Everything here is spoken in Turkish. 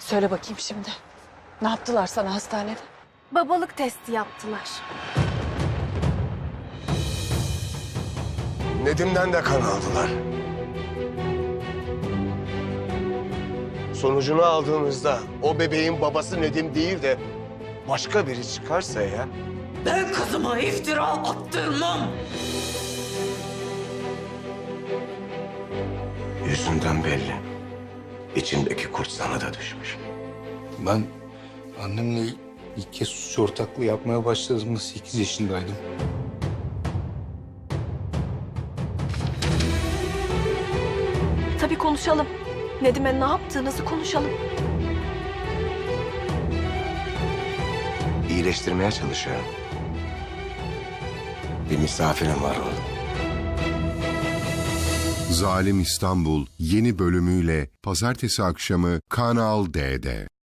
Söyle bakayım şimdi. Ne yaptılar sana hastanede? Babalık testi yaptılar. Nedim'den de kan aldılar. Sonucunu aldığımızda o bebeğin babası Nedim değil de başka biri çıkarsa ya... Ben kızıma iftira attırmam. Yüzünden belli. İçindeki kurt sana da düşmüş. Ben annemle ilk kez suç ortaklığı yapmaya başladığımda 8 yaşındaydım. Tabii konuşalım. Nedim'e ne yaptığınızı konuşalım. İyileştirmeye çalışıyorum. Bir misafirim var oğlum. Zalim İstanbul yeni bölümüyle pazartesi akşamı Kanal D'de.